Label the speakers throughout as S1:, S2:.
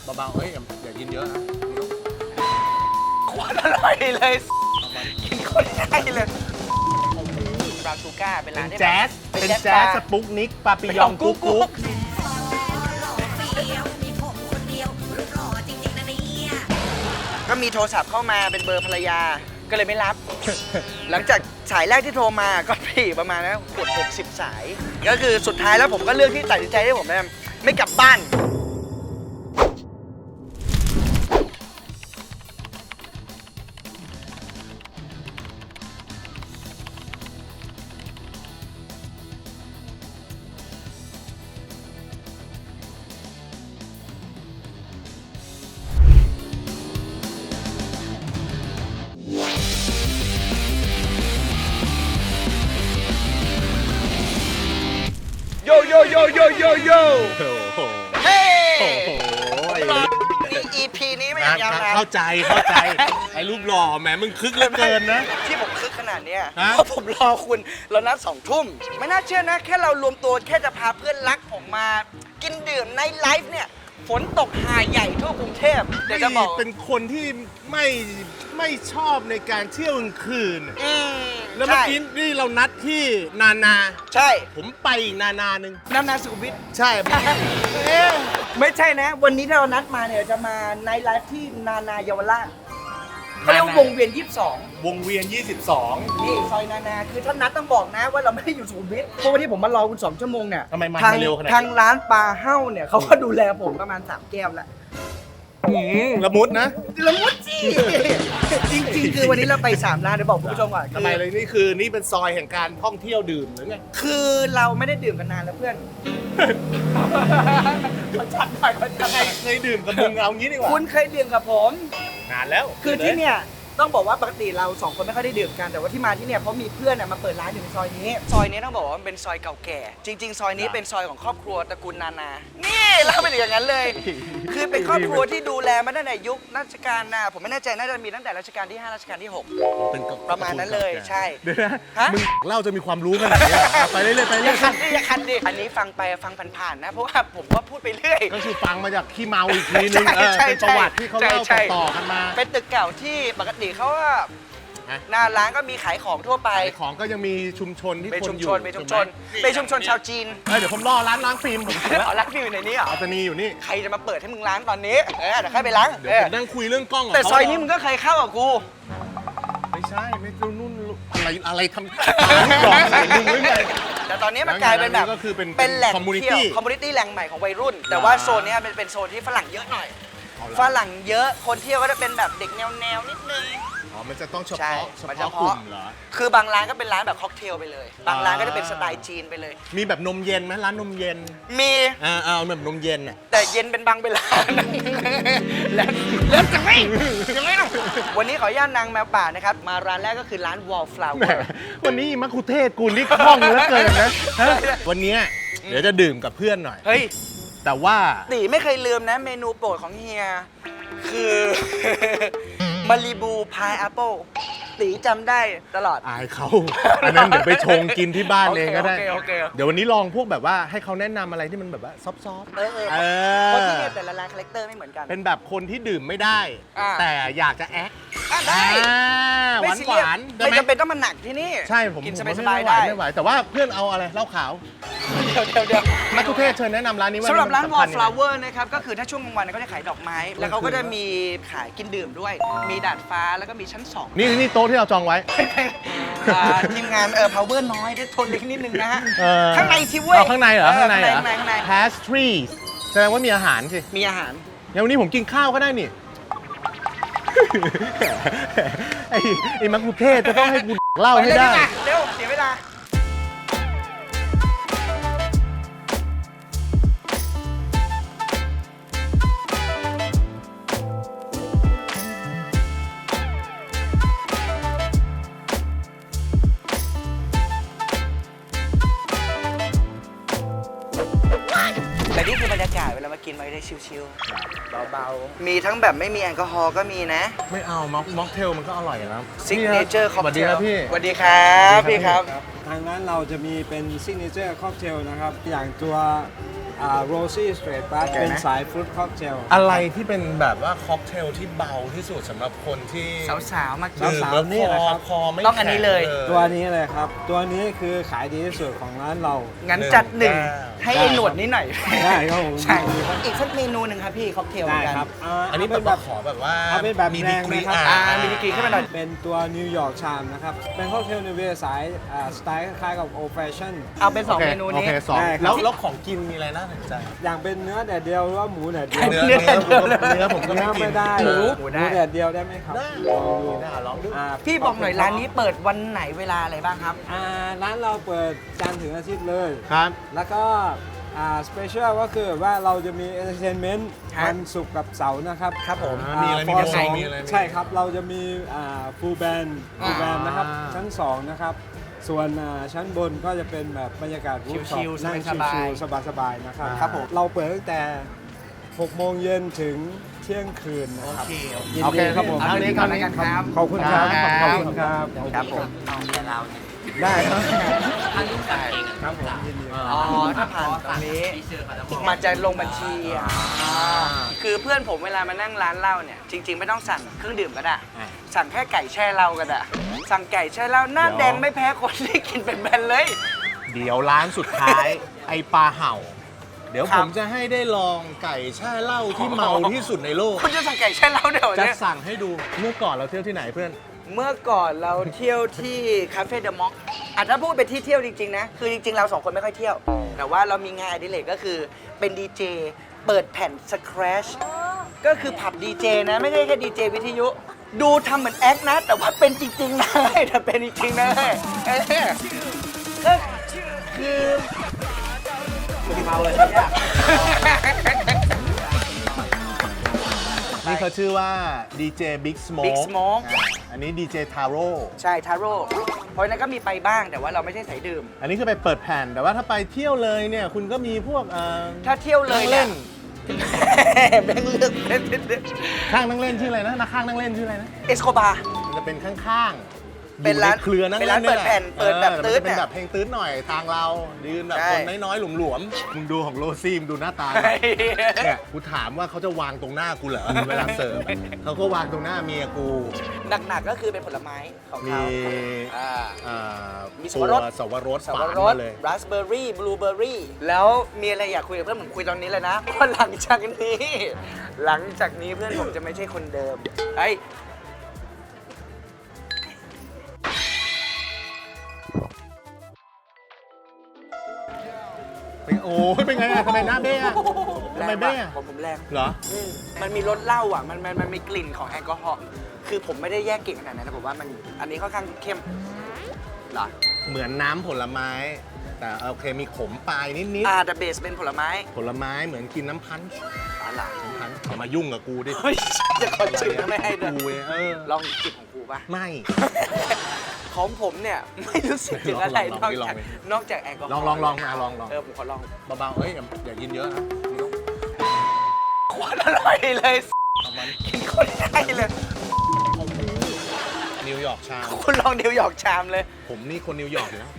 S1: เบาๆเฮ้ยอย่ากินเยอะนะ
S2: ขวดอร่อยเลยกินคนง่ายเลยบราวน์ชูการ์เป็นร้านที่
S1: แจ๊สเป็นแจ๊สสปุกนิกปาปิยองกุ๊กกุ๊ก
S2: ก็มีโทรศัพท์เข้ามาเป็นเบอร์ภรรยาก็เลยไม่รับ หลังจากสายแรกที่โทรมาก็พี่ประมาณนะเกือบ60 สาย ก็คือสุดท้ายแล้วผมก็เลือกที่ตัดสินใจที่ผมไม่กลับบ้านโยโยโยโยโยโย
S1: โอ้โห
S2: เฮ้
S1: โอ้โห
S2: EP นี้ไม่อยากยาวนาน
S1: เข้าใจไอ้รูปหล่อแหมมึงคึกเหลือเกินนะ
S2: ที่ผมคึกขนาดเนี้ย
S1: ฮะ
S2: เพราะผมรอคุณเรานัด2 ทุ่มไม่น่าเชื่อนะแค่เรารวมตัวแค่จะพาเพื่อนรักผมมากินดื่มในไลฟ์เนี่ยฝนตกหาใหญ่ทั่วกรุงเทพเดี๋ยวจะบอก
S1: เป็นคนที่ไม่ชอบในการเที่ยวกลางคืน แล้วเมื่อ
S2: ใช่
S1: กี้นี่เรานัดที่นานา
S2: ใช่
S1: ผมไปอีกนานาหนึ่ง
S2: น้ำนาสุขุมวิท
S1: ใช่
S2: ไม่ใช่นะ วันนี้ที่เรานัดมาเนี่ยจะมาในไลฟ์ที่นานาเยาวราชเขาเรียกว่าวงเวียน 22
S1: วงเวียน 22
S2: นี่ซอยนานาคือถ้านัดต้องบอกนะว่าเราไม่ได้อยู่สุขุมวิทเพราะวันที่ผมมารอคุณ2 ชั่วโมงเนี่ย
S1: ทำไมมา
S2: ทาง
S1: เร็วขนาด
S2: ทางร้านปลาเฮ้าเนี่ยเขาก็ดูแลผมประมาณ3 แก้วแล้ว
S1: ละมุดนะ
S2: ละมุดจีจริงๆ คือวันนี้เราไป3 ร้านเดี๋ยวบอกคุณผู้ชมก่อน
S1: ทำไมเลยนี่เป็นซอยแห่งการท่องเที่ยวดื่มหรือไง
S2: คือเราไม่ได้ดื่มกันนานแล้วเพื่อนเขาจัดไปเขาจัดไป
S1: เคยดื่มกับมึงเอางี้ดีกว่า
S2: คุณเคยดื่มกับผม
S1: นานแล้ว
S2: คือที่เนี่ยต้องบอกว่าปกติเรา2 คนไม่ค่อยได้ดื่มกันแต่ว่าที่มาที่เนี่ยเพราะมีเพื่อนมาเปิดร้านอยู่ในซอยนี้ซอยนี้ต้องบอกว่ามันเป็นซอยเก่าแก่ จริง ๆ ซอยนี้เป็นซอยของครอบครัวตระกูลนานานี่เล่าเป็นอย่างนั้นเลย คือเป็นครอบครัวที่ดูแลมาตั้งแต่ยุครัชกาลผมไม่แน่ใจน่าจะมีตั้งแต่รัชกาลที่5รัชกาลที่6
S1: เป็น
S2: ประมาณนั้นเลยใช่
S1: เดี๋ยวนะ
S2: ฮะ
S1: มึงเล่าจะมีความรู้ขนาดนี้เหรอไปเรื่อยๆไป
S2: อ
S1: เรื่
S2: ย่า
S1: อย
S2: คันดิอย่าคันดิอันนี้ฟังไปฟังผ่านๆนะเพราะว่าผมว่าพูดไปเรื่อย
S1: ๆก็คือฟังมาจากขี้เมาอีกทีนึง
S2: ใช่
S1: เป็นประวัติที่เขาเล่า
S2: ใช่
S1: ต่อๆกันมา
S2: เป็นตึกเก่าที่ปกติเขาว่า
S1: ฮะ
S2: หน้าร้านก็มีขายของทั่วไป
S1: ขายของก็ยังมีชุมชนที่
S2: เป็น
S1: คน
S2: ชุม
S1: อยู่
S2: ชนเป็นชุมชน
S1: ถูกไห
S2: เป็นชุมชนชาวจีน
S1: เดี๋ยวผมรอร้านล้างฟิล์มผมเสร็จแล้ว
S2: อ๋อร้านฟิวอยู่ในนี้เหรอ
S1: อัตนีอยู่นี่
S2: ใครจะมาเปิดให้มึงล้างตอนนี้เดี๋ยวค่อยไปล้าง
S1: เดี๋ยวผมนั่งคุยเรื่องกล้องกับ
S2: แต่
S1: เขา
S2: ซอยนี้มึงก็เคยเข้ากับกู
S1: ไม่ใช่ไม่รู้นู่นอะไรทำหลอกใส่มึงหรือไง
S2: แต่ตอนนี้มันกลายเป็นแบบ
S1: ก็คือเป็น
S2: แหล่ง
S1: community
S2: เที่ยวคอมมูนิตี้แหล่งใหม่ของวัยรุ่น แต่ว่าโซนเนี้ยเป็นโซนที่ฝรั่งเยอะหน่อย
S1: เอาล่ะ
S2: ฝรั่งเยอะคนเที่ยวก็จะเป็นแบบเด็กแนวนิดนึง
S1: อ๋อมันจะต้องเฉ
S2: ใช่
S1: พาะ
S2: มัน
S1: เฉ
S2: เฉ
S1: พาะกลุ่
S2: พาะ
S1: มเหรอ
S2: คือบางร้านก็เป็นร้านแบบค็อกเทลไปเลย บางร้านก็จะเป็นสไตล์จีนไปเลย
S1: มีแบบนมเย็นไหมร้านนมเย็น
S2: มี
S1: เอาแบบนมเย็นอ่ะ
S2: แต่เย็นเป็นบางเวลา แล้วจะไม่ยังไงเนาะวันนี้ขออนุญาตนางแมวป่านะครับมาร้านแรกก็คือร้าน Wallflower
S1: วันนี้มัคคุเทศกูนี่คล่องเหลือเกินนะฮะวันเนี้ยเดี๋ยวจะดื่มกับเพื่อนหน่อย
S2: เฮ้ย
S1: แต่ว่า
S2: ตีไม่เคยลืมนะเมนูโปรดของเฮีย คือ มารีบูพายแอปเปิลตีจำได้ตลอด
S1: อายเขาอันนั้นเดี๋ยวไปชงกินที่บ้านเองก็ได้
S2: โอเค
S1: เดี๋ยววันนี้ลองพวกแบบว่าให้เขาแนะนำอะไรที่มันแบบว่าซอฟต์
S2: เออ
S1: ๆ
S2: คนที่เนี่ยแต่ละร้านคาแรคเตอร์ไม่เหมือนกัน
S1: เป็นแบบคนที่ดื่มไม่ได้
S2: อ่า
S1: แต่อยากจะแอค
S2: ได้
S1: หวาน
S2: ซี
S1: ห
S2: เรียส
S1: วานๆได้
S2: ไม่
S1: ไหม
S2: จำเป็นต้องมาหนักที่นี่
S1: ใช่ผม
S2: กิน
S1: ผม
S2: สบายๆ
S1: ไม่ไหว
S2: ได้
S1: ไม่ไหวแต่ว่าเพื่อนเอาอะไรเหล้าขาว
S2: เดี๋ยว
S1: มัคคุเทศเชิญแนะนำร้านนี้ว่า
S2: สำหรับร้าน
S1: มัสำคัญยังไง
S2: Wallflower นะครับก็คือถ้าช่วงกลางวันเขาจะขายดอกไม้ แล้วเขาก็จะมีขายกินดื่มด้วย มีดาดฟ้าแล้วก็มีชั้น 2
S1: นี่โต๊ะที่เราจองไว้
S2: ทีมงานpower น้อยได้ทนเล็กนิดนึงนะฮะ
S1: เออ
S2: ข้างในสิเว้ย
S1: เอาข้างในเหรอข้างในเหรอ
S2: ข้างใน
S1: pastries แสดงว่ามีอาหารสิ
S2: มีอาหาร
S1: งั้นวันนี้ผมกินข้าวก็ได้นี่ ไอ้มัคคุเทศจะต้องให้กูเล่าให้ได้
S2: เร็วเสียเวลาแต่นี่คือบรรยากาศเวลามากินมาได้ชิลๆเบาๆมีทั้งแบบไม่มีแอลกอฮอล์ก็มีนะ
S1: ไม่เอาม็อกเทลมันก็อร่อยแล้ว
S2: ซิกเนเจอร์
S1: ส
S2: ค็อก
S1: วัส
S2: เท
S1: ดี
S2: ล
S1: ครับพี่
S2: สวัสดีครับพี่ครับ
S3: ทางร้านเราจะมีเป็นซิกเนเจอร์ค็อกเทลนะครับ อย่างตัวโรซี่สเตรทบัสเป็นสายฟรุตค็อกเทล
S1: อะไรที่เป็นแบบว่าค็อกเทลที่เบาที่สุดสำหรับคนที่
S2: สาวๆมากิน
S1: ดื่มแล้วคอไม่
S2: ต้องอันนี้เลย
S1: แข็ง
S3: ตัวนี้เลยครับ ตัวนี้คือขายดีที่สุดของร้านเรา
S2: งั้นจัดหนึ่งให้ไอ้หนวดนิดหน่อย
S3: ได้ครับผม
S2: ใช่อีกสักเมนูหนึ่งครับพี่ค็อกเทลเหมื
S3: ได้
S2: อนกัน
S3: ครับ
S1: อันนี้
S3: เป็
S1: เป็น นแบบขอแบบว่า
S3: เอาเป็นแบบ
S1: มี
S3: แร
S1: ดี
S3: ง
S1: กรี
S3: นะครับ
S2: มีดีกรีขึ้นมาหน่อย
S3: เป็นตัวนิวยอร์กชามนะครับ เป็นค็อกเทลในเวสายสไตล์คล้ายๆกับโอแฟชั่น
S2: เอาเป็น
S1: โอ
S2: 2
S1: เค
S2: เมนู
S1: โอ
S2: นี้
S1: เคสอง
S3: ได้ครับ
S1: แล้วของกินมีอะไรน่าสนใจ
S3: อย่างเป็นเนื้อแดดเดียวหรือว่าหมูแดดเดียว
S1: เนื้อ
S2: เนื้อแดดเดียว
S1: เนื้อผมก็
S3: เนื้
S1: ไม่
S3: อ
S1: กิน
S3: ไม่ได้
S2: หมู
S3: หมูแดดเดียวได้ไหมครับ
S1: ได้ลองดู
S2: พี่บอกหน่อยร้านนี้เปิดวันไหนเวลาอะไรบ้างครับ
S3: ร้านเราเปิดจันทร์ถึงอาทิตย์เลย
S1: ครับ
S3: แล้วก็สเปเชียลก็คือว่าเราจะมีเอนเตอร์เทนเมนต์
S2: ครับ
S3: วันศุกร์กับเสาร์นะครับ
S2: ครับผม
S1: มีอะไรมี
S3: ฟ
S1: ว
S3: อง ร์สอง
S1: มีอะไร
S3: ใช่ครับ เราจะมีฟูลแบนนะครับ ชั้น 2 นะครับ ส่วนชั้นบนก็จะเป็นแบบบรรยากาศรูฟท็อป
S2: ชิลๆ
S3: นั่ง
S2: สบายๆ
S3: ชิลๆสบายๆนะครับ
S2: ครับผม
S3: เราเปิดตั้งแต่ 6 โมงเย็นถึงเที่ยงคืนนะครับ ยิน
S1: โอเค
S3: ดีครับผม
S2: เอาเท่านี้ก่อนแล้วกันครับ
S3: ขอบคุณครับ
S2: ครับ
S3: ขอบคุณครับ
S2: ครับผม
S3: ได้ครับ
S2: อันนี้ไก่
S3: ครับผมยินดี
S2: อ๋อ ถ้าผ่านตรงนี้มาจะลงบัญชีคือเพื่อนผมเวลามานั่งร้านเหล้าเนี่ย จริง ๆ ไม่ต้องสั่งเครื่องดื่มก็ได้ สั่งแค่ไก่แช่เหล้าก็ได้ สั่งไก่แช่เหล้าหน้าแดงไม่แพ้คนที่กินเป็นแบนเลย
S1: เดี๋ยวร้านสุดท้าย ไอปลาเห่า เดี๋ยว
S2: ครั
S1: ผ
S2: บ
S1: มจะให้ได้ลองไก่แช่เหล้าที่เมาที่สุดในโลก
S2: คุณจะสั่งไก่แช่เหล้าเดี๋ยว
S1: จะ
S2: เนี่ย
S1: สั่งให้ดูเมื่อก่อนเราเที่ยวที่ไหนเพื่อน
S2: เมื่อก่อนเราเที่ยวที่คาเฟ่เดอะม็อกถ้าพูดเป็นที่เที่ยวจริงๆนะ คือจริงๆ เราสองคนไม่ค่อยเที่ยว แต่ว่าเรามีงานอดิเรกก็คือเป็นดีเจเปิดแผ่นสครัชก็คือผับดีเจนะ ไม่ใช่แค่ดีเจวิทยุ ดูทำเหมือนแอคนะ แต่ว่าเป็นจริงๆนะแต่เป็นจริงๆนะก็คือเมาเลยเนี่ย
S1: นี่เขาชื่อว่าดีเจบิ๊กสโม
S2: Big Smoke
S1: อันนี้ดีเจทาโร่
S2: ใช่ทาโร่เพราะฉะนั้นก็มีไปบ้างแต่ว่าเราไม่ใช่สายดื่ม
S1: อันนี้คือไปเปิดแผ่น แต่ว่าถ้าไปเที่ยวเลยเนี่ยคุณก็มีพวก
S2: ถ้าเที่ยวเลย
S1: เล่น
S2: แบ่งเลือกเล่น
S1: ข้างนั่งเล่นชื่ออะไรนะนักข้างนั่งเล่นชื่ออะไรนะ
S2: เอสโคบา
S1: มันจะเป็นข้างๆ
S2: เป็นร้าน
S1: อยู่ใเครือนั่ง
S2: เป็น
S1: เล่
S2: ร้าน
S1: นนี่ย
S2: เปิดแผ่นเปิดแบบ
S1: มัน
S2: ตื๊ด
S1: จะเป็น
S2: เนี่ย
S1: แบบเพลงตื้ดหน่อยทางเรายืนแบบ
S2: ใช่
S1: คนน้อยๆหลวมๆมึงดูของโรซี่มึงดูหน้าตาเนี่ยกูถามว่าเขาจะวางตรงหน้ากูเหรอเวลาเสิร์ฟเขาก็วางตรงหน้าเมียกู
S2: หนักๆก็คือเป็นผลไม้ของ
S1: มี
S2: เขาอ่า
S1: อ่า
S2: มี
S1: ตัว
S2: สับปะรด
S1: สับ
S2: สับ
S1: ปะ
S2: ปะ
S1: ร
S2: ร
S1: ด
S2: ด
S1: เลย
S2: ราสเบอร์รี่บลูเบอร์รี่แล้วมีอะไรอยากคุยกับเพื่อนผมคุยตอนนี้เลยนะเพราะหลังจากนี้เพื่อนผมจะไม่ใช่คนเดิมเฮ้ย
S1: โอ้ยเป็นไงอะทำไมหน้าเบ้อะทำไมเบ้อะ
S2: ผมแรง
S1: เหรอ
S2: มันมีรสเหล้าอ่ะมันมีกลิ่นของแอลกอฮอล์คือผมไม่ได้แยกเก่งขนาดนั้นนะผมว่ามันอันนี้ค่อนข้างเข้มเหรอ
S1: เหมือนน้ำผลไม้ แต่โอเคมีขมปลายนิด
S2: แต่เบสเป็นผลไม้
S1: ๆผลไม้เหมือนกินน้ำพันช์
S2: อะไร
S1: น้ำพันช์อย่ามายุ่งกับกูดิ
S2: เฮ้ยจะขอชิมก็ไม่ให้ด้วย
S1: กูเองล
S2: ลองจิบของกูป่ะ
S1: ไม่
S2: ของผมเนี่ย ไม่รู้สึกถึงอะไร
S1: ล
S2: น
S1: อ
S2: อง ก
S1: ดิลอง
S2: จาก
S1: ดิ
S2: นอกจากแอลกอฮอล์
S1: ลองมาลอง
S2: ผมขอลอง
S1: เบาๆเอ้ยอย่ากินเยอะนะ
S2: โคตรอร่อยเลย
S1: เอามัน
S2: กินโคตรได้เลย
S1: นิวยอร์กชาม
S2: คุณลองนิวยอร์กชามเลย
S1: ผมนี่คนนิวยอร์กอยู่แล้ว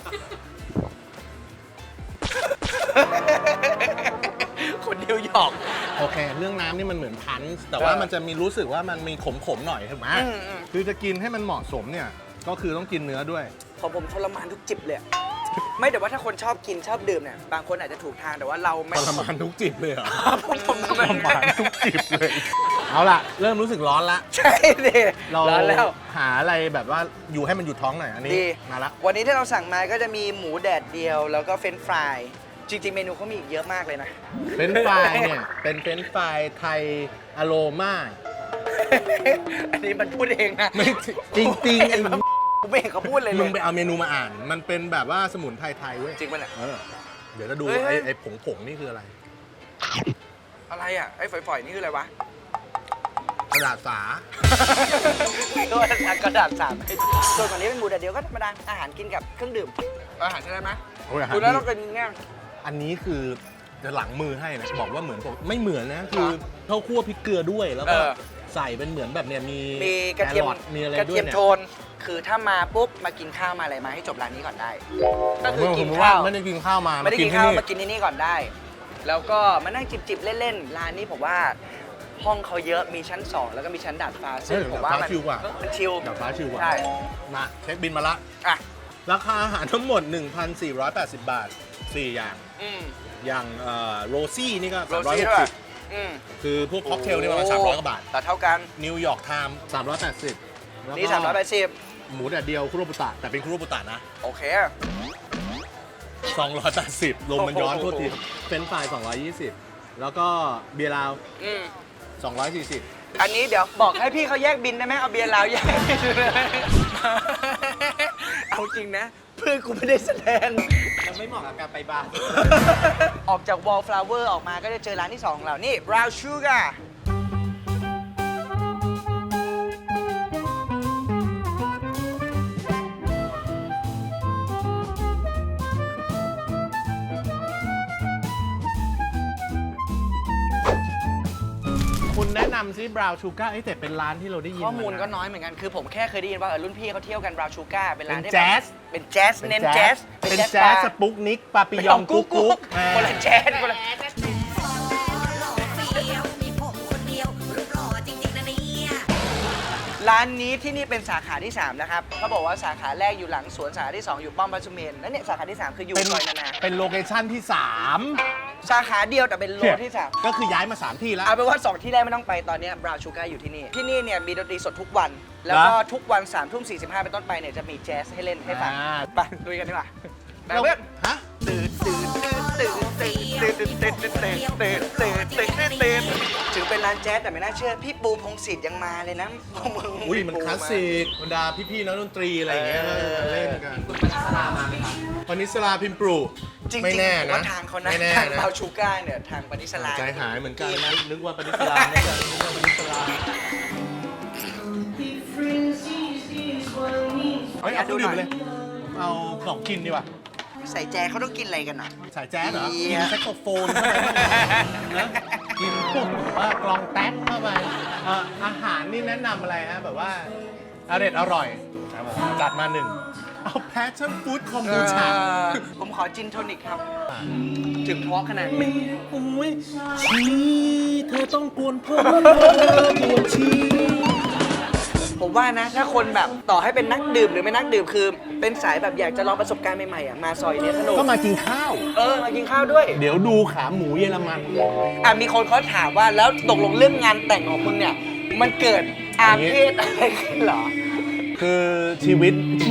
S2: คนนิวยอร์ก
S1: โอเค เรื่องน้ำนี่มันเหมือนพันช์แต่ว่ามันจะมีรู้สึกว่ามันมีขมๆหน่อยถูกไหม
S2: อืม
S1: คือจะกินให้มันเหมาะสมเนี่ยก็คือต้องกินเนื้อด้วย
S2: ของผมทรมานทุกจิบเลยอะไม่แต่ว่าถ้าคนชอบกินชอบดื่มเนี่ยบางคนอาจจะถูกทางแต่ว่าเราไม่
S1: ทรมานทุกจิบเลยเหรอ
S2: ผมท
S1: ทรมานทุกจิบเลย เอาล่ะ เริ่มรู้สึกร้อนละ
S2: ใช่ดิ
S1: เรา
S2: ร้อนแล้ว
S1: หาอะไรแบบว่าอยู่ให้มันอยู่ท้องหน่อยอันนี้
S2: ดี
S1: มาละ
S2: วันนี้ที่เราสั่งมาก็จะมีหมูแดดเดียว แล้วก็เฟรนช์ฟรายจริง ๆ เมนูเขามีอีกเยอะมากเลยนะ
S1: เฟรนช์ฟรายเนี่ยเป็นเฟรนช์ฟรายไทยอโรมา
S2: อันนี้มันพูดเองนะ
S1: ไม่จริงๆไอ้
S2: ผมไม่เห็นเขาพูดเลย
S1: มึงไปเอาเมนูมาอ่าน มันเป็นแบบว่าสมุนไพรไทยเว้ย
S2: จริงป่ะเนี่ย
S1: เดี๋ยวจะดู
S2: เฮ้ย
S1: ไอ้ผงนี่คืออะไร
S2: อะไรอ่ะไอ้ฝอยๆนี่คืออะไรวะ
S1: กระดาษสา
S2: ตัวกระดาษสามส่วนฝั่งนี้เป็นหมูแดดเดียวก็ธรรมดาอาหารกินกับเครื่องดื่มอาหารใช่ไหม
S1: โอ้ยอาหาร
S2: คุณแล้ว
S1: ดี
S2: เรากินง่าย
S1: อันนี้คือจะหลังมือให้นะบอกว่าเหมือนไม่เหมือนนะคือเขาคั่วพริกเกลือด้วยแล้วก็ใส่เป็นเหมือนแบบเนี่ยมี
S2: มีกระเทียม
S1: แคอทมีอะไร
S2: กระ
S1: ด้ว
S2: เที
S1: ย
S2: ยม
S1: เนี่ย
S2: โทน คือถ้ามาปุ๊บมากินข้าวมาอะไรมาให้จบร้านนี้ก่อนได้ ก็คือกิน
S1: ผมว่า
S2: ข้าว
S1: ไม่ได้กินข้าวมา
S2: ไม่ได้กิน
S1: ที่
S2: ข้าวมากินที่นี่ก่อนได้แล้วก็มานั่งจิบๆเล่นๆร้านนี้ผมว่าห้องเขาเยอะมีชั้น 2 แล้วก็มีชั้นดาดฟ้าซึ่งผมว่ามัน
S1: ชิลกว่า
S2: มันชิล
S1: ดาดฟ้าชิลกว่า
S2: ใช่
S1: มาเช็คบินมาละ
S2: อ่ะ
S1: ราคาอาหารทั้งหมด 1,480 บาท 4 อย่าง อย่างโรซี่นี่ก็
S2: โรซี่ด้วย
S1: 360คือพวกค็อกเทลนี่ประมาณ300 กว่าบาท
S2: แต่เท่ากัน
S1: นิวยอร์กไทม์380แล้วก็
S2: นี่380
S1: หมูแดดเดียวคุโรบุตะแต่เป็นคุโรบุตะนะ
S2: โอเค
S1: 280ลมมันย้อนโทษทีเฟรนช์ฟราย220 แล้วก็เบียร์ลาว240
S2: อันนี้เดี๋ยวบอกให้พี่เขาแยกบินได้ไหมเอาเบียร์ลาวแยกบินเลยเอาจริงนะ เพื่อนกูไม่ได้แสดง
S3: มันไม่เหมาะกับการไปบาร์
S2: ออกจาก Wallflower ออกมาก็จะเจอร้านที่ 2 ของเรา นี่ Brown Sugar
S1: คุณแนะนำซิบราวชูการ์แต่เป็นร้านที่เราได้ยิน
S2: ข้อมูลก็
S1: าะ
S2: น้อยเหมือนกัน คือผมแค่เคยได้ยินว่ารุ่นพี่เขาเที่ยวกัน Brown Sugar เป็นร้านที่
S1: เป็นแจ๊ส
S2: เป็นแจ๊สเน้นแจ๊ส
S1: เป็นแจ๊สสปุกนิกปาปิยองกุ๊กกุ๊ก
S2: คนละแจ๊สคนละ
S4: มีผมคนเดียวรูปหล่อจริงๆนะเนี่ย
S2: ร้านนี้ที่นี่เป็นสาขาที่ 3 นะครับเขาบอกว่าสาขาแรกอยู่หลังสวนสาขาที่ 2 อยู่ป้อมพระสุเมนแล้วเนี่ยสาขาที่ 3 คืออยู่
S1: เป็น
S2: ซอยนานา
S1: เป็นโลเคชั่นที่
S2: สาขาเดียวแต่เป็นโล
S1: 3
S2: ที่ 3
S1: ก็คือย้ายมา 3 ที่แล้ว
S2: เอาเป็นว่า 2 ที่แรกไม่ต้องไปตอนนี้ Brown Sugar อยู่ที่นี่ ที่นี่เนี่ยมีดนตรีสดทุกวัน แล้วก็ทุกวัน3 ทุ่ม 45 เป็นต้นไปเนี่ยจะมีแจ๊สให้เล่นให้ฟัง
S1: อ่า
S2: ไปดูกันดีกว่าไปเพื่อน
S1: ฮะ
S2: ตื่นตื่นตื่นตื่นตื่นตื่นตื่นตื่นตื่นตื่นตื่นตื่นตื่นตื่นถึงเป็นร้านแจ๊สแต่ไม่น่าเชื่อพี่ปูพงศิษฐ์ยังมาเลยนะพวกมึง
S1: อุ้ยมันคลาสสิกบรรดาพี่ๆนักดนตรีอะไรอย่างเงี้ยก็จะเล่นกันปนิสลาพิมพ์ปลู
S2: จริง
S1: ไม่
S2: ๆ
S1: แน่
S2: ผม
S1: นะ
S2: ว่าทางเขานะ
S1: ไม่แน่
S2: ทาง
S1: นะ
S2: บราวน์ชูการ์เนี่ยทางปณิสลา
S1: ใจหายเหมือนกันนะนึกว่าปนิสลาไม่ใช่นึกว่าปนิสลาเฮ้ยเอาเครื่องดื่มไปเลยเอาของกินดีกว่า
S2: ใส่แจ๊สเขาต้องกินอะไรกันอ่ะ
S1: สายแจ๊สเหรอ
S2: เหี้
S1: กิ
S2: ย
S1: นแซกโซโฟนเข้าไปนะกินพวกแบบว่ากลองแท็กเข้าไปอาหารนี่แนะนำอะไรฮะแบบว่าอร่อยครับผมจัดมาหนึ่งเอาแพชชั่นฟู้ดคอมบูชา
S2: ผมขอจินโทนิกครับ ถึงเพราะขนาดนี้
S1: อุ้ยชีเธอต้องกวนเพิ่มกวนชี
S2: ผมว่านะ ถ้าคนแบบต่อให้เป็นนักดื่มหรือไม่นักดื่มคือ เป็นสายแบบอยากจะลองประสบการณ์ใหม่ๆอ่ะมาซอยเนี้ยสนุก
S1: ก็มากินข้าว
S2: มากินข้าวด้วย
S1: เดี๋ยวดูขาหมูเยอรมัน
S2: มีคนเขาถามว่าแล้วตกลงเรื่องงานแต่งของมึงเนี่ย มันเกิดอาเพศอะไรขึ้นเหรอ
S1: คือชีวิต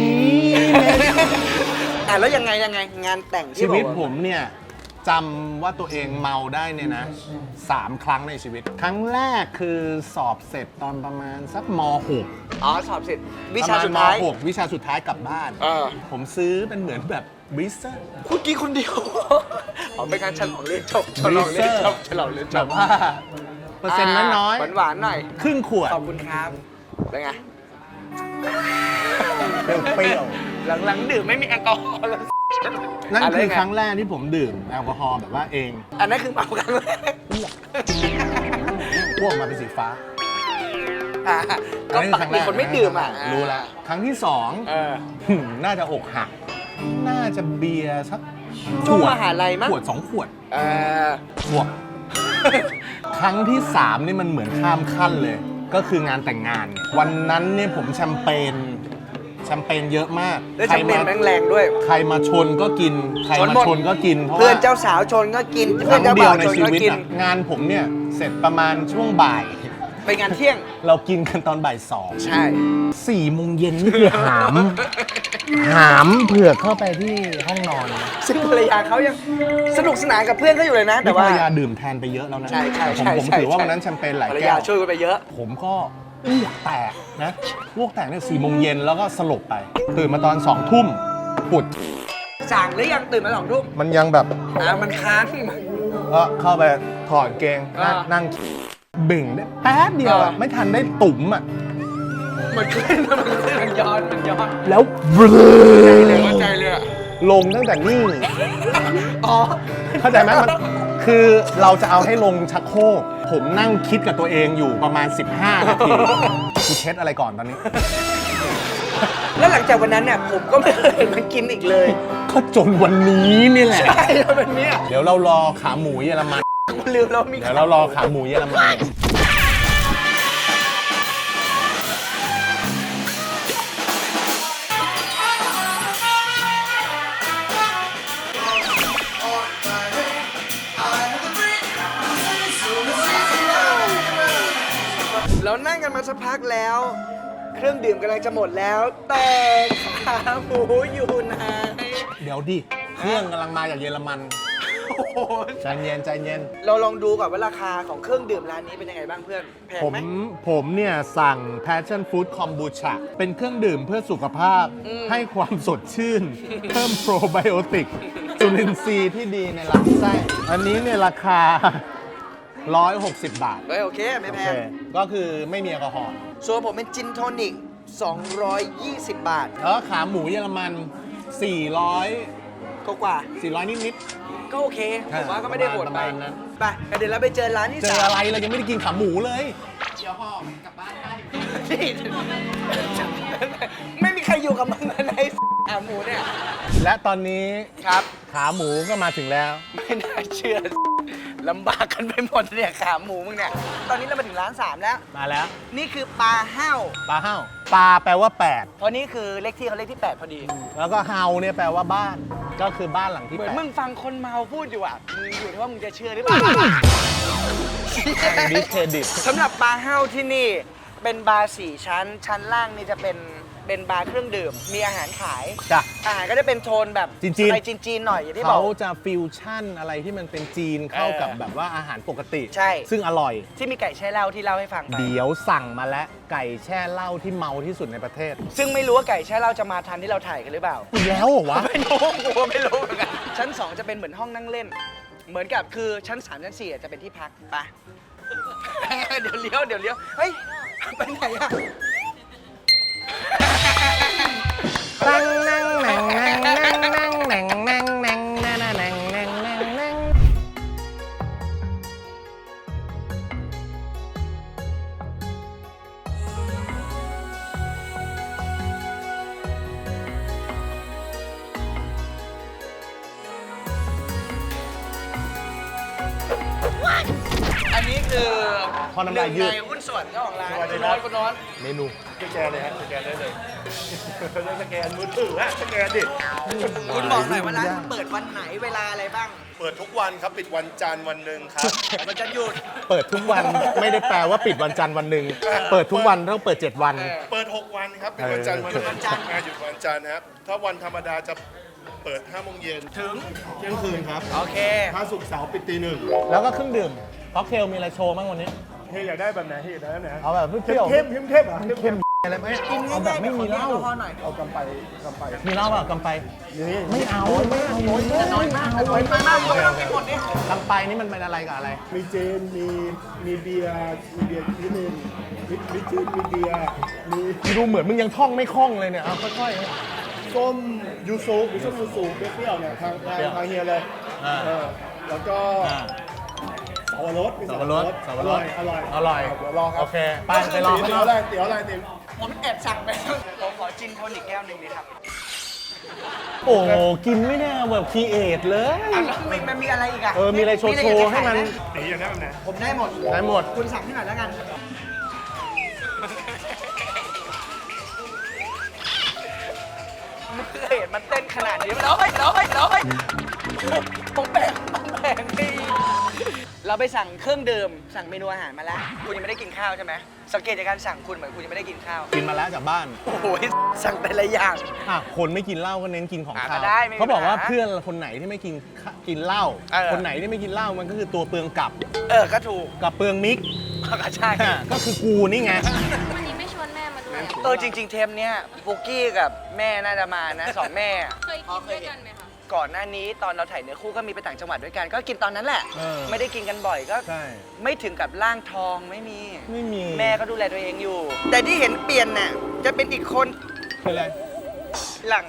S2: แล้วยังไงงานแต่งที่
S1: ชี
S2: บอก
S1: วิต
S2: ว่า
S1: ผมเนี่ยจำว่าตัวเองเมาได้เนี่ยนะ3 ครั้งในชีวิต ครั้งแรกคือสอบเสร็จตอนประมาณสักม .6
S2: สอบเสร็จวิชาสุดท้าย
S1: ประมณม .6 วิชาสุดท้ายกลับบ้าน ผมซื้อเป็นเหมือนแบบวิเซอร์
S2: คุณกี้คนเดียว เป็นการฉลองเรียนจบฉลองเรียนจบฉลองเรียนจ
S1: แบบ บว่าเปอร์เซ็นต์น้อย
S2: หวานๆหน่อย
S1: ครึ่งขวด
S2: ขอบคุณครับเป็นไง
S1: เปรี้ยว
S2: หลังๆดื่มไม่มีแอลกอฮอล์เลย
S1: ๆนั่นคือครั้งแรกที่ผมดื่มแอลกอฮอล์แบบว่าเอง
S2: อันนั้นคือเมาครั้งแรก
S1: อ้วกมาเป็นสีฟ้า
S2: ก็ปกติคนไม่ดื่มอ่ะ
S1: รู้แล้วครั้งที่ 2 น่าจะอกหัก น่าจะเบียร์สัก
S2: ช่วงมหาลัยมั้ง
S1: ขวด 2 ขวด
S2: เออ
S1: ขวด ครั้งที่ 3 นี่มันเหมือนข้ามขั้นเลย ก็คืองานแต่งงาน วันนั้นเนี่ยผมแชมเปญเยอะมาก
S2: แล้วจะเป็นแรงๆด้วย
S1: ใครมาชนก็กิน ใคร
S2: ชน
S1: มา
S2: หมด
S1: ชนก็กิน เพราะ
S2: เพื่อน
S1: ว่า
S2: เจ้าสาวชนก็กิน
S1: ค
S2: เพื่อน
S1: รั้ง
S2: เจ้า
S1: เดีย
S2: บ่าว ว
S1: ใน
S2: ชน
S1: ชี
S2: ก็
S1: วิต
S2: กิน
S1: อะงานผมเนี่ยเสร็จประมาณช่วงบ่าย
S2: ไปงานเที่ยง
S1: เรากินกันตอนบ่าย
S2: ใช่
S1: 2 4 โมงเย็นนี่คือหามเผือกเข้าไปที่ห้องนอน
S2: ซึ่งภรรยาเขายังสนุกสนานกับเพื่อนเขาอยู่เลยนะ แต่
S1: นี่ภร
S2: ว่าร
S1: ยาดื่มแทนไปเยอะแล้วนะ
S2: ใช่ใช่
S1: ผม
S2: ใช่
S1: ผม
S2: ใช่
S1: ถือว่าวันนั้นแชมเปญหลาย
S2: ภรร
S1: แก้
S2: ยาว ช่วยกันไปเยอะ
S1: ผมก็อ้วกแตกนะอ้วกแตกเนี่ย4 โมงเย็นแล้วก็สลบไป ตื่นมาตอน 2 ทุ่มปวด
S2: สั่งหรือยังตื่นมา2 ทุ่ม
S1: มันยังแบบ
S2: มันค้าง
S1: ก็เข้าไปถอดเกงนั่งเบ่งได้แป๊บเดียวอะไม่ทันได้ตุ่มอ่ะ
S2: มันขึ้นมันย้อน
S1: แล้วเบล
S2: เข้าใจเลยอะ
S1: ลงตั้งแต่นี่
S2: อ๋อ
S1: เข้าใจไหมมันคือเราจะเอาให้ลงชักโครกผมนั่งคิดกับตัวเองอยู่ประมาณ 15 นาทีกูเช็ดอะไรก่อนตอนนี้
S2: แล้วหลังจากวันนั้นเนี่ยผมก็ไม่เคยเห็นมันกินอีกเลย
S1: เคก็จนวันนี้นี่แหละ
S2: ใช่เป็นเนี้ย
S1: เดี๋ยวเรารอขาหมูเยอรมัน
S2: กูลืมแล้วมี
S1: เดี๋ยวเรารอขาหมูเยอรมัน
S2: เรานั่งกันมาสักพักแล้ว เครื่องดื่มกำลังจะหมดแล้ว แต่ขาหมูอยู่ไหน
S1: เดี๋ยวดิ เครื่องกำลังมาจากเยอรมัน
S2: โอ้โห
S1: ใจเย็นใจเย็น
S2: เราลองดูก่อนว่าราคาของเครื่องดื่มร้านนี้เป็นยังไงบ้างเพื่อนแพง
S1: ผม
S2: ไหม
S1: ผมเนี่ยสั่ง Passion Fruit Kombucha เป็นเครื่องดื่มเพื่อสุขภาพ ให้ความสดชื่น เพิ่มโปรไบโอติก จุลินทรีย์ที่ดีในลำไส้ อันนี้เนี่ยราคา 160 บาท
S2: เฮ้ยโอเคไม่
S1: โอ
S2: แพ
S1: เค
S2: ง
S1: ก็คือไม่มีแอลกอฮอล์
S2: ส่วนผมเป็นจินโทนิก 220 บาท
S1: แล้วขาหมูเยอรมัน 400
S2: กว่า
S1: 400 นิด
S2: ๆก็โอเค ผมว่าก็ไม่ได้โหด
S1: ประ
S2: ไป
S1: มาณนั้น
S2: ไปเดี๋ยวเราไปเจอร้านที่
S1: ๆ เจอ
S2: สาม
S1: อะไรเรายังไม่ได้กินขาหมูเลย
S2: นี่ไม่มีใครอยู่กับมันในขาหมูเนี่ย
S1: และตอนนี้
S2: ครับ
S1: ขาหมูก็มาถึงแล้ว
S2: ไม่น่าเชื่อลำบากกันไปหมดเนี่ยขาหมูมึงเนี่ย ตอนนี้เรามาถึงร้าน 3 แล้ว
S1: มาแล้ว
S2: นี่คือปลาเห้า
S1: ปลาเห้าปลาแปลว่า
S2: เพราะนี่คือเลขที่เขาเลขที่ 8 พอดี
S1: 8 แล้วก็เฮาเนี่ยแปลว่าบ้าน ก็คือบ้านหลังที่
S2: เหมือน
S1: 8
S2: มึงฟังคนเมาพูดอยู่อ่ะ มึงอยู่ที่ว่ามึงจะเชื่อหรือเปล่า
S1: ดิสเครดิต
S2: สำหรับบาร์เฮาที่นี่เป็นบาร์4 ชั้น ชั้นล่างนี่จะเป็นบาร์เครื่องดื่ม มีอาหารขาย
S1: จ้ะ
S2: อาหารก็จะเป็นโทนแบบ
S1: จีนๆ
S2: อะไรจีนๆหน่อยอย่างที่บ
S1: เขา
S2: อก
S1: จะฟิวชั่นอะไรที่มันเป็นจีนเข้ากับแบบว่าอาหารปกติ
S2: ใช่
S1: ซึ่งอร่อย
S2: ที่มีไก่แช่เหล้าที่เล่าให้ฟังไป
S1: เดี๋ยวสั่งมาแล้วไก่แช่เหล้าที่เมาที่สุดในประเทศ
S2: ซึ่งไม่รู้ว่าไก่แช่เหล้าจะมาทันที่เราถ่ายกันหรือเปล่า
S1: อีกแล้วเหรอวะ
S2: ไม่รู้กูก็ไม่รู้เหมือนกัน ชั้น 2 จะเป็นเหมือนห้องนั่งเล่น เหมือนกับคือชั้น 3 ชั้น 4จะเป็นที่พักไป เดี๋ยวเลี้ยว เฮ้ย ไปไหนอะ
S1: นั่งนั่งนั่งนั่งนั่งนั่งนั่งนั่งนั่งนั่งนั่งนั่งนั่งนั่ง
S2: อันนี้คือ
S1: พอน้ำลายยืด
S2: หนึ่งในหุ้นส่วนเจ้าของร้านคุณน้อน
S1: เมนู
S5: สแกนเลยฮะสแกนได้เลยจะสแกนมือถือฮะสแกนดิ
S2: คุณบอกหน่อยว่าร้านคุณเปิดวันไหนเวลาอะไรบ้าง
S5: เปิดทุกวันครับ ปิดวันจันทร์วันหนึ่งครับ
S2: มันจะหยุด
S1: เปิดทุกวันไม่ได้แปลว่าปิดวันจันทร์วันหนึ่งเปิดทุกวันต้องเปิด 7 วัน
S5: เปิด 6 วันครับ ปิดวันจันทร์วันหนึ่ง
S2: หยุดวันจันทร์
S5: หยุดวันจันทร์นะครับ ถ้าวันธรรมดาจะเปิด5 โมงเย็นถึงเที่ยงคืนครับ
S2: โอเค
S5: ถ้าศุกร์เสาร์ปิดตี 1
S1: แล้วก็เครื่องดื่มค็อกเทลมีอะไรโชว์บ้างวันนี้
S5: เฮ้ยอยากได้แบบไหนเฮ้ยอยากได้แบบไหน
S1: เอาแบบเปรี้ยว
S5: เข้มๆอ่ะ
S1: เข้มๆอะไรไหม
S2: กิน
S1: เอาแบบไม่มีเหล้า
S2: แอลกอฮอล์หน่อย
S5: เอากำไป
S1: มีเหล้าเปล่ากำไป
S5: นี่
S1: ไม่เอาไม่เอา
S2: น้อยมากน้อยมากไม่ต้องกินหมดนี่
S1: กำไปนี่มันเป็นอะไรกับอะไร
S5: มีเจนมีเบียร์นิดนึงมีจีนมีเบียร์มี
S1: ดูเหมือนมึงยังท่องไม่คล่องเลยเนี่ย เอาค่อย
S5: ส้มยูซุมีส้มยูซุเปรี้ยวๆเนี่ยทางเฮียเลย
S1: อ่า
S5: แล้วก็
S1: ๆอ่า
S5: สับปะรดมี
S1: สับปะรดสับปะรด
S5: อร่อย
S1: อร่อย
S5: เดี๋ยวลองครับ
S1: โอเคไปไปลองข้างน
S5: เตี๋ย
S1: อ
S5: ว
S1: ก
S5: อะไรเตี๋ยวอะไรเตี๋ยว
S2: ผมแอบสั่งไปผมขอจินโทนิกแก้วหนึ่งดีครับ
S1: โอ้กินไม่ได้แบบคีเอทเลย
S2: อ่ะแล้วมันมีอะไรอีกอ่ะ
S1: มีอะไรโชว์ๆให้มัน
S5: ตีอย่างนี้แบบไหน
S2: ผมได้หมด
S1: ได้หมด
S2: คุณสั่งให้หน่อยแล้วกัน ไม่เคยเห็นมันเต้นขนาดนี้ร้อยผมแบ่งดีเราไปสั่งเครื่องดื่มสั่งเมนูอาหารมาแล้ว คุณยังไม่ได้กินข้าวใช่ไหมสังเกตจากการสั่งคุณเหมือนคุณยังไม่ได้กินข้าว
S1: กินมาแล้วจากบ้าน
S2: โอ้โหสั่งแต่ละอย่าง
S1: คนไม่กินเหล้าก็เน้นกินของ
S2: อ่ะ
S1: คาว
S2: ก็ได้ไม่มี
S1: เขาบอกว่า
S2: ปัญหา
S1: เพื่อนคนไหนที่ไม่กินเหล้า คนไหนที่ไม่กินเหล้ามันก็คือตัวเปลืองกับ
S2: ก็ถูก
S1: กับเปลืองมิก
S2: ก็ใช่
S1: ก็คือกูนี่ไง
S6: วันนี้ไม่ชวนแม่มาด้วยอะ
S2: จริง ๆ เทมเนี้ยปุกกี้กับแม่น่าจะมานะสองแม่
S6: เคยกินด้วยกันไหมคะ
S2: ก่อนหน้านี้ตอนเราถ่ายเนื้อคู่ก็มีไปต่างจังหวัดด้วยกัน ก็กินตอนนั้นแหละ
S1: เออ
S2: ไม่ได้กินกันบ่อยก็
S1: ใช่
S2: ไม่ถึงกับร่างทองไม่มี
S1: ไม่มี
S2: แม่ก็ดูแลตัวเองอยู่ แต่ที่เห็นเปลี่ยนน่ะจะเป็นอีกคน
S1: เป็นไร
S2: หลัง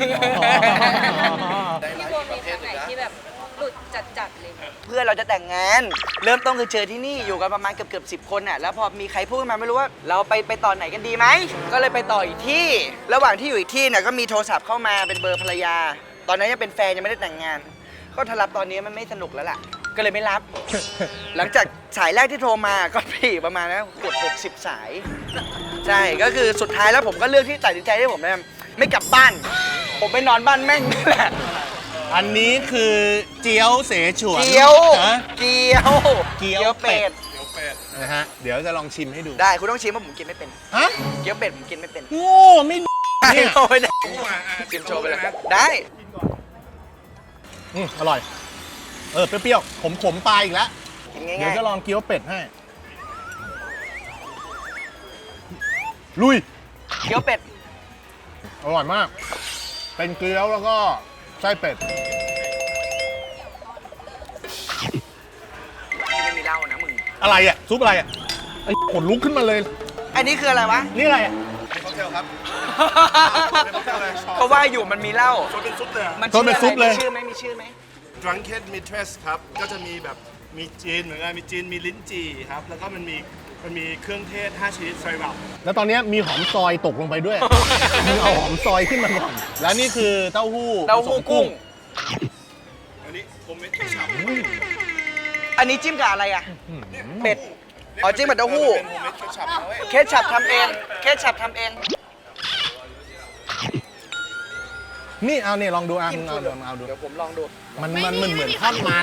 S6: พี่โบมีครั้งไหนที่แบบหลุดจัดๆเลย
S2: เพื่อนเราจะแต่งงาน เริ่มต้นคือเจอที่นี่อยู่กันประมาณเกือบ10 คนน่ะแล้วพอมีใครพูดขึ้นมาไม่รู้ว่าเราไปต่อไหนกันดีไหมก็เลยไปต่ออีกที่ ระหว่างที่อยู่อีกที่เนี่ยก็มีโทรศัพท์เข้ามาเป็นเบอร์ภรรยาตอนนั้นยังเป็นแฟนยังไม่ได้แต่งงาน ก็ถ้ารับตอนนี้มันไม่สนุกแล้วล่ะ ก็เลยไม่รับ หลังจากสายแรกที่โทรมาก็พี่ประมาณนะเกือบ60 สาย ใช่ ก็คือสุดท้ายแล้วผมก็เลือกที่ตัดสินใจที่ผมเนี่ยไม่กลับบ้าน ผมไปนอนบ้านแม่งนี่แหละ
S1: อันนี้คือเจียวเสฉวน
S2: เกี๊ยว
S1: ฮะ
S2: เกี๊ยว
S1: เกี๊ยวเป็ด
S2: ด
S1: นะฮะ เดี๋ยวจะลองชิมให้ดู
S2: ได้คุณต้องชิมว่าผมกินไม่เป็น
S1: ฮะ
S2: เกี๊ยวเป็ดผมกินไม่เป็น
S1: โง่ไม่ เนี่ย
S2: โอ้ยได้ชิมโชว์ไปเลยได้
S1: อร่อย เปรี้ยวๆขมๆปลายอีกแล้ว
S2: กิน
S1: เดี๋ย
S2: ง่า
S1: วย จะลองเกี๊ยวเป็ดให้ ลุย
S2: ๆเกี๊ยวเป็ด
S1: อร่อยมาก เป็นเกี๊ยวแล้วก็ไส้เป็ด
S2: นี่ไม่มีเหล้านะมึง
S1: อะไรอ่ะ ซุปอะไรอ่ะ ไอ้ขนลุกขึ้นมาเลย
S2: อันนี้คืออะไรวะ
S1: นี่อะไรอ่ะ
S2: เพราะว่าอยู่มันมีเหล้า
S5: ชนเป็นซุปเลยอะ
S2: มัน
S1: โทษเป็นซุปเลย
S2: มีชื่อไหมมีชื่อไหม
S5: Drunken Mistress ครับ ก็จะมีแบบมีจีนเหมือนกันมีจีนมีลิ้นจี่ครับ แล้วก็มันมีเครื่องเทศ 5 ชนิดไซรัป
S1: แล้วตอนนี้มีหอมซอยตกลงไปด้วย มึงเอาหอมซอยขึ้นมาก่อน แล้วนี่คือเต้าหู้
S2: เต้าหู้
S1: ผสม
S2: กุ้ง
S5: อันนี้ผมไม่ได้ฉับ
S2: อันนี้จิ้มกับอะไรอ่ะ เป็ด อ๋อจิ้มกับเต้าหู้
S5: เป็นผมไม่ได้ฉับนะเว้ย
S2: เคชับทำเอง เคชับทำเอง
S1: นี่เอาเนี่ยลองดูเอาเอาดู
S2: เดี๋ยวผมลองดู
S1: มันเหมือนข้าวมัน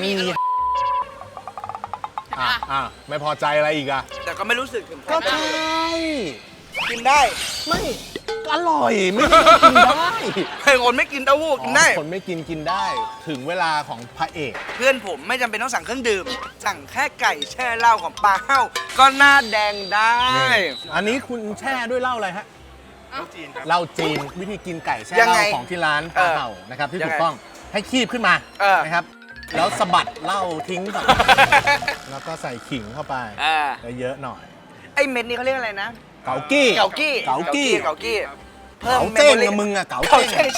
S1: ไม่พอใจอะไรอีกอ่ะ
S2: แต่ก็ไม่รู้สึกถึง
S1: ก็ใช่
S2: กินได้
S1: ไม่อร่อยไม่ได้กินได้
S2: ใครคนไม่กินเต้าหู้กินได้
S1: คนไม่กินได้ ถึงเวลาของพระเอก
S2: เพื่อนผมไม่จำเป็นต้องสั่งเครื่องดื่ม สั่งแค่ไก่แช่เหล้าของปลาเห้าก็หน้าแดงได้
S1: อันนี้คุณแช่ด้วยเหล้าอะไรฮะ
S5: จีนครับ
S1: เหล้าจีนวิธีกินไก่แช่
S2: ยัง
S1: เห
S2: ไง
S1: ล้าของที่ร้านปลาเห่านะครับที่
S2: ยัง
S1: ถู
S2: ไง
S1: กต้องให้คีบขึ้นมา นะครับ แล้วสะบัดเหล้าทิ้งก่อน แล้วก็ใส่ขิงเข้าไปเยอะๆหน่อย
S2: ไอ้เม็ดนี้เขาเรียกอะไรนะ
S1: เกากี้
S2: เกากี้
S1: เกากี้
S2: เกากี้เพิ่ม
S1: เก๋า
S2: เม
S1: เจ้ง
S2: มโมรี่
S1: กับมึงอะเก๋า
S2: เกา
S1: เจ้ง
S2: เจ้งใช่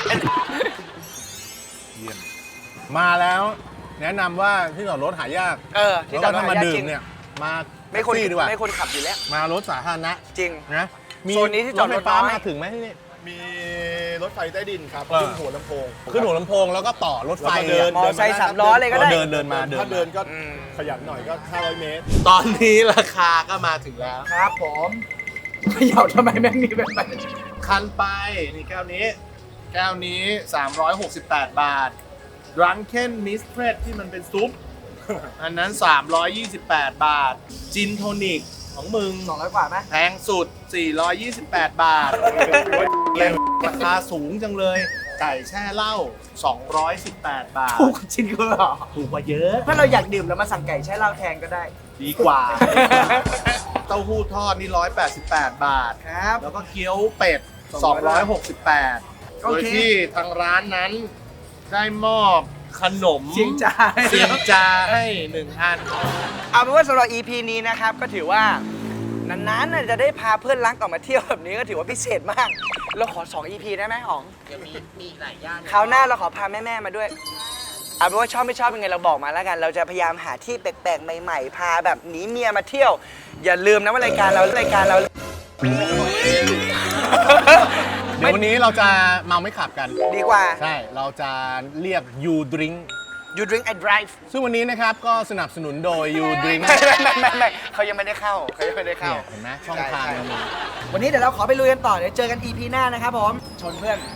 S1: เยี่ยมมาแล้วแนะนำว่าที่จอดรถหายาก
S2: ที่
S1: แล้ว
S2: จอ
S1: ก็
S2: ดรถ
S1: ถ้ามา
S2: หายาก
S1: ดื่
S2: จริ
S1: ม
S2: ง
S1: เนี่ยมา
S2: ไม่
S1: แท็ก
S2: คน
S1: ซี่ดีกว่า
S2: ไม่คนขับอยู่แล้ว
S1: มารถสาธารณะ
S2: จริง
S1: นะมี
S2: โซนนี้ที่จอดรถ
S1: ไฟฟ้า
S2: น้อย
S1: มาถึงไหมที่นี่
S5: มีรถไฟใต้ดินครับ
S1: เออ
S5: ขึ้นหัวลำโพง
S1: ขึ้นหัวลำโพงแล้วก็ต่อรถไฟ
S5: แล้วก็เดิน
S2: มอไซค์3 ล้อเลยก็ได้
S1: เดินมา
S5: ถ้าเดินก็
S2: อืม
S5: ขยันหน่อยก็ 500 เมตร
S1: ตอนนี้ราคาก็มาถึงแล้ว
S2: ครับผมเขย่าทำไมแม่งมีแบบนั้น
S1: คันไปนี่แก้วนี้ แก้วนี้ 368 บาท Drunken Mistress ที่มันเป็นซุป อันนั้น 328 บาท จินโทนิกของมึง
S2: 200 กว่าไหม
S1: แพงสุด 428 บาท ราคาสูงจังเลย ไก่แช่เหล้า 218 บาท
S2: ถูกจริงเหรอ
S1: ถูกกว่าเยอะ
S2: ถ้าเราอยากดื่มเรามาสั่งไก่แช่เหล้าแทนก็ได้
S1: ดีกว่า เต้าหู้ทอดนี่ 188 บาท
S2: ครับ
S1: แล้วก็เกี๊ยวเป็ด 268
S2: โอ
S1: โดย
S2: เค
S1: ที่ทางร้านนั้นได้มอบขนม
S2: เสียงจา
S1: เสียงจาให้ 1 อัน
S2: เอาเป็นว่าสำหรับ EP นี้นะครับ ก็ถือว่านานๆน่ะจะได้พาเพื่อนรักออกมาเที่ยวแบบนี้ก็ถือว่าพิเศษมาก เราขอ 2 EP ได้ไหมอ๋องเดี๋ยวมีหลายย่านคราวหน้าเราขอพาแม่ ๆ มาด้วย เอาเป็นว่าชอบไม่ชอบยังไงเราบอกมาแล้วกัน เราจะพยายามหาที่แปลกๆ ใหม่ๆ พาแบบหนีเมียมาเที่ยว อย่าลืมนะว่ารายการเรา
S1: เดี๋ยววันนี้เราจะเมาไม่ขับกัน
S2: ดีกว่า
S1: ใช่ เราจะเรียก You Drink
S2: You drink I drive
S1: ซึ่งวันนี้นะครับก็สนับสนุนโดย You Drink
S2: ไม่เขายังไม่ได้เข้าเขายังไม่ได้เข้า
S1: เนี่ยเห็นไหมช่องทางมันมี
S2: วันนี้เดี๋ยวเราขอไปลุยกันต่อ เดี๋ยวเจอกัน EP หน้านะครับผม ชนเพื่อน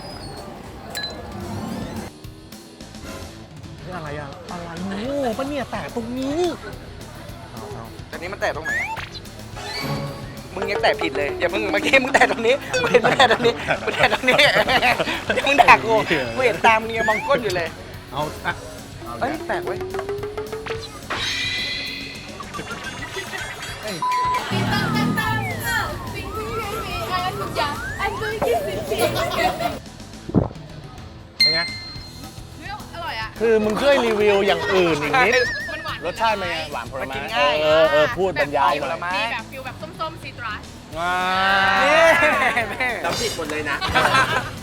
S1: อะไรอะอะไรโง่ปะเนี่ยแตะตรงนี้
S2: ตอนนี้มันแตะตรงไหนอะมึงยังแตะผิดเลย อย่ามึงเมื่อกี้มึงแตะตรงนี้มึงแตะตรงนี้มึงแตะตรงนี้เดี๋ยวมึงด่ากูกูเห็นตามมึงยังมองก้นอยู่เลย
S1: เอาอะเอา
S2: เอ้ยแปลกเว้ย
S1: เป็นไง
S6: อร่อยอ่ะ
S1: คือมึงช่วยรีวิวอย่างอื่นอีกนิด
S6: มันหวาน
S1: รสชาติเป็นไงหวานผล
S2: มัน
S1: ไม้
S2: กินง่าย
S1: พูดบรรยายหน่อย
S2: ผลไม้
S6: มีแบบฟิลแบบส้มๆซีตรัส
S1: ว้า
S2: นี่
S1: จำผิดหมดเลยนะ